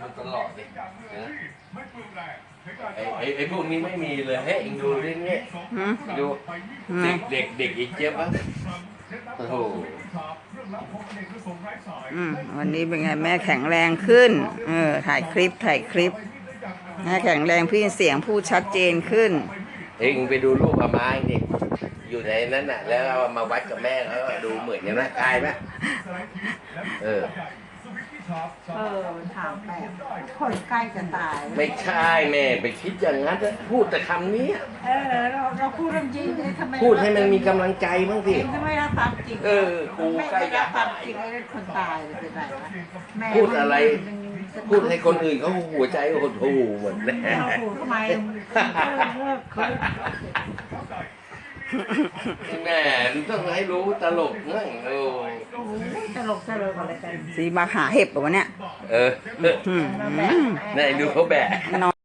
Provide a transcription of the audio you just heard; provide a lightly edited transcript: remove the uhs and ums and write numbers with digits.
ตลอดเลยนะไอ้พวกนี้ไม่มีเลยเฮ้ยเองดูดิเนี่ยดูเด็กอีกเจี๊ยบอ่ะโอ้โหวันนี้เป็นไงแม่แข็งแรงขึ้นถ่ายคลิปแม่แข็งแรงพี่เสียงพูดชัดเจนขึ้นเองไปดูรูปอาม้าเนี่ยอยู่ในนั้นน่ะแล้วเอามาวัดกับแม่แล้วดูเหมือนกันนะกายไหมมันถามแบบคนใกล้จะตายไม่ใช่แม่ไปคิดอย่างนั้นพูดแต่คำนี้เราพูดเรื่องจริงทำไมพูดให้มันมีกำลังใจบ้างสิทำไมรับความจริงกูใกล้จะความจริงไอ้คนตายเป็นไรวะพูดอะไรพูดให้คนอื่นเขาหัวใจหดหู่หมดเลยทำไมแม่ต้องให้รู้ตลกนั่งตลกอะไรกันสีมาหาเห็บแบบวะเนี่ยไหนดูเขาแบก